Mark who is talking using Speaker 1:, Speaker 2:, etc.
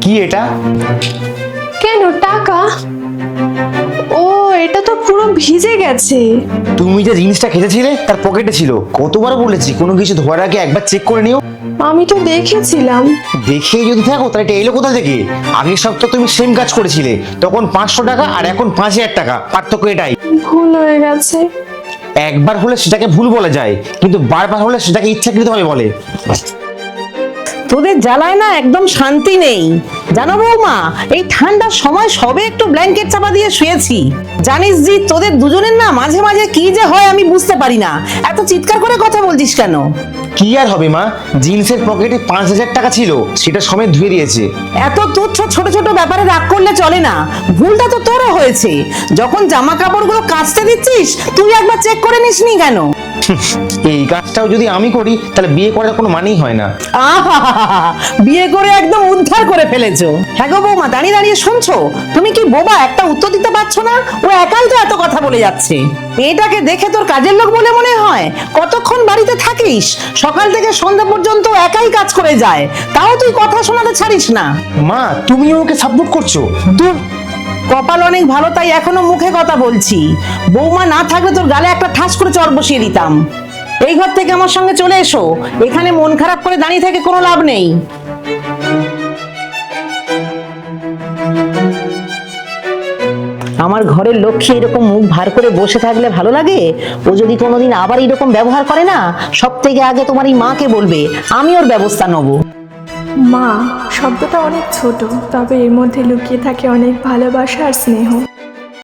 Speaker 1: কি এটা?
Speaker 2: কেন টাকা? ও, এটা তো পুরো ভিজে গেছে।
Speaker 1: তুমি যে জিনিসটা খেতেছিলে তার পকেটে ছিল। কতবার বলেছি কোনো কিছু ধোয়ার আগে একবার চেক করে নিও।
Speaker 2: আমি তো দেখেছিলাম।
Speaker 1: দেখেই যদি থাকো তাহলে এটা এলো কোথা থেকে? আগের সপ্তাহে তুমি সেম কাজ করেছিলে, তখন 500 টাকা আর এখন 5000 টাকা, পার্থক্য এটাই।
Speaker 2: ভুল হয়ে গেছে।
Speaker 1: একবার হলে সেটাকে ভুল বলা যায়, কিন্তু বারবার হলে সেটাকে ইচ্ছাকৃতভাবে বলে।
Speaker 3: তোদের জ্বালায় না একদম শান্তি নেই জানো বৌমা। এই ঠান্ডার সময় সবে একটু ব্ল্যাঙ্কেট চাপা দিয়ে শুয়েছি। জানিস জি, তোদের দুজনের না মাঝে মাঝে কি যে হয় আমি বুঝতে পারি না। এত চিৎকার করে কথা বলছিস কেন?
Speaker 1: কি আর হবে মা, জিন্সের পকেটে 5000 টাকা ছিল, সেটা সমেত ধুয়ে দিয়েছে।
Speaker 3: এত তুচ্ছ ছোট ছোট ব্যাপারে রাগ করলে চলে না। ভুলটা তো তোরও হয়েছে। যখন জামা কাপড়গুলো কাচতে দিচ্ছিস তুই একবার চেক করে নিসনি কেন?
Speaker 1: এই কাজটাও যদি আমি করি তাহলে বিয়ে করার কোনো মানেই হয় না।
Speaker 3: আহা, বিয়ে করে একদম উদ্ধার করে ফেলেছো। হ্যাঁ গো বৌমা, দাঁড়িয়ে দাঁড়িয়ে শুনছো? তুমি কি বোবা, একটা উত্তর দিতে পারছো না? ও একাই তো এত কথা বলে যাচ্ছে। মেয়েটাকে দেখে তোর কাজের লোক বলে মনে হয়? কতক্ষণ বাড়িতে থাকিস? সকাল থেকে সন্ধ্যা পর্যন্ত একাই কাজ করে যায়, তাও তুই কথা শোনাতে ছাড়িস না।
Speaker 1: মা, তুমি ওকে সাপোর্ট করছো?
Speaker 3: দূর, কপাল অনেক ভালো তাই এখনো মুখে কথা বলছি। বৌমা না থাকলে তোর গালে একটা ঠাস করে চড় বসিয়ে দিতাম। এই ঘর থেকে আমার সঙ্গে চলে এসো। এখানে মন খারাপ করে দাঁড়িয়ে থেকে কোনো লাভ নেই। আমার ঘরের লক্ষ্মী এরকম মুখ ভার করে বসে থাকলে ভালো লাগে? ও যদি কোনোদিন আবার এরকম ব্যবহার করে না, সব থেকে আগে তোমার এই মাকে বলবে, আমি ওর ব্যবস্থা নেবো।
Speaker 4: মা শব্দটা অনেক ছোট, তবে এর মধ্যে লুকিয়ে থাকে অনেক ভালোবাসা আর স্নেহ।